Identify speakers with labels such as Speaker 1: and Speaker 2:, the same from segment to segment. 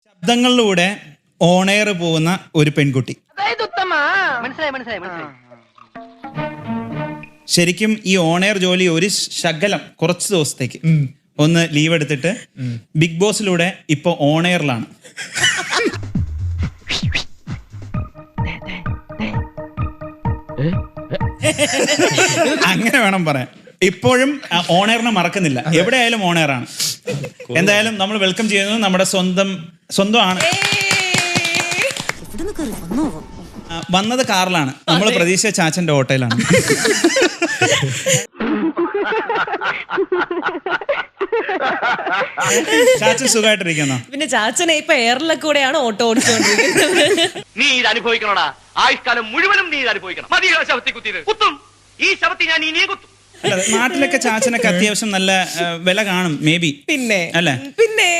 Speaker 1: ശബ്ദങ്ങളിലൂടെ ഓണെയർ പോകുന്ന ഒരു പെൺകുട്ടി. ശരിക്കും ഈ ഓണെയർ ജോലി ഒരു ശകലം കുറച്ച് ദിവസത്തേക്ക് ഒന്ന് ലീവ് എടുത്തിട്ട് ബിഗ് ബോസിലൂടെ ഇപ്പൊ ഓണെയറിലാണ്. അങ്ങനെ വേണം പറയാൻ. ഇപ്പോഴും ഓണെയറിനെ മറക്കുന്നില്ല, എവിടെയായാലും ഓണെയറാണ്. എന്തായാലും നമ്മൾ വെൽക്കം ചെയ്യുന്നത് നമ്മുടെ സ്വന്തമാണ്. വന്നത് കാറിലാണ്, നമ്മൾ പ്രതീക്ഷിച്ച ചാച്ചന്റെ ഓട്ടോയിലാണ്. ചാച്ചൻ സുഖമായിട്ടിരിക്കുന്നോ?
Speaker 2: പിന്നെ ചാച്ചനെ ഇപ്പൊ എയറിലൊക്കെ കൂടെയാണ് ഓട്ടോ ഓടിച്ചുകൊണ്ടിരിക്കുന്നത്.
Speaker 3: നീ ഇത് അനുഭവിക്കണോടാ, ആയുഷ്കാലം മുഴുവനും നീ ഇത് അനുഭവിക്കണം. മതിയോ ശവത്തി കുത്തിയത്? കുത്തും, ഈ ശവത്തി ഞാൻ ഇനിയും കുത്തും.
Speaker 1: നാട്ടിലൊക്കെ ചാച്ചനൊക്കെ അത്യാവശ്യം നല്ല വില കാണും മേ ബി.
Speaker 2: പിന്നെ
Speaker 1: അല്ലേ?
Speaker 2: പിന്നെ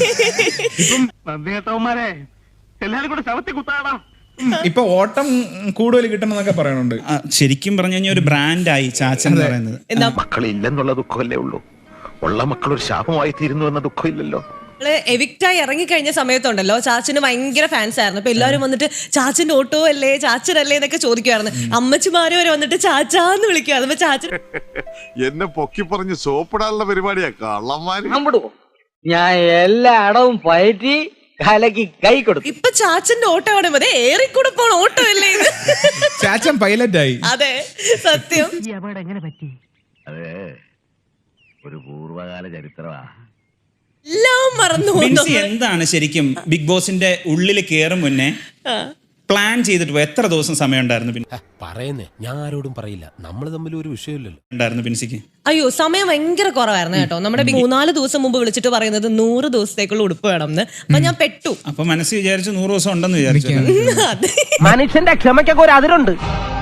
Speaker 3: എല്ലാരും കൂടെ ശവത്തി കുത്താടാ.
Speaker 4: ഇപ്പൊ ഓട്ടം കൂടുതൽ കിട്ടണമെന്നൊക്കെ പറയണുണ്ട്.
Speaker 1: ശരിക്കും പറഞ്ഞു കഴിഞ്ഞാൽ ഒരു ബ്രാൻഡായി ചാച്ചൻ എന്ന് പറയുന്നത്.
Speaker 5: മക്കളില്ലെന്നുള്ള ദുഃഖമല്ലേ ഉള്ളൂ, ഉള്ള മക്കൾ ഒരു ശാപമായി തീരുന്നു എന്ന ദുഃഖമില്ലല്ലോ.
Speaker 2: എവിക്റ്റായി ഇറങ്ങിക്കഴിഞ്ഞ സമയത്തുണ്ടല്ലോ ചാച്ചന് ഭയങ്കര ഫാൻസ് ആയിരുന്നു. അപ്പൊ എല്ലാവരും വന്നിട്ട് ചാച്ചന്റെ ഓട്ടോ അല്ലേ, ചാച്ചനല്ലേ എന്നൊക്കെ ചോദിക്കുമായിരുന്നു. അമ്മച്ചിമാര് വരെ വന്നിട്ട് ചാച്ചാന്ന് വിളിക്കുവായിരുന്നു. അപ്പൊ ചാച്ചൻ
Speaker 6: എന്നെ പൊക്കി പറഞ്ഞ് സോപ്പിടാനുള്ള പരിപാടിയാ കള്ളന്മാര്.
Speaker 7: ഞാൻ എല്ലാ അടവും പയറ്റി കലക്കി കൈ കൊടുത്തു.
Speaker 2: ഇപ്പൊ ചാച്ചന്റെ ഓട്ടോ അവിടെ മതി, ഏറിക്കൂടെ പോണ ഓട്ടോ അല്ലേ ഇത്?
Speaker 4: ചാച്ചൻ പൈലറ്റ് ആയി.
Speaker 2: അതെ, സത്യം.
Speaker 7: എങ്ങനെ പറ്റി?
Speaker 5: അതെ, ഒരു പൂർവ്വകാല ചരിത്രമാ.
Speaker 2: എല്ലാം മറന്നു.
Speaker 1: എന്താണ് ശരിക്കും ബിഗ് ബോസിന്റെ ഉള്ളിൽ കയറും മുന്നേ പ്ലാൻ ചെയ്തിട്ട് പോയി എത്ര ദിവസം സമയം ഉണ്ടായിരുന്നു? പിന്നെ
Speaker 8: പറയുന്നേ, ഞാൻ ആരോടും പറയില്ല, നമ്മൾ തമ്മിൽ ഒരു വിഷയമില്ലല്ലോ.
Speaker 1: ഉണ്ടായിരുന്നു പിൻസിക്ക്?
Speaker 2: അയ്യോ, സമയം ഭയങ്കര കുറവായിരുന്നു കേട്ടോ. നമ്മുടെ 3-4 ദിവസം മുമ്പ് വിളിച്ചിട്ട് പറയുന്നത് 100 ദിവസത്തേക്കുള്ള ഉടുപ്പ് വേണം എന്ന്. അപ്പൊ ഞാൻ പെട്ടു.
Speaker 1: അപ്പൊ മനസ്സിൽ വിചാരിച്ചു 100 ദിവസം ഉണ്ടെന്ന് വിചാരിച്ചു.
Speaker 2: അതെ,
Speaker 7: മനുഷ്യന്റെ ക്ഷമയ്ക്കൊക്കെ ഒരു അതിരുണ്ട്.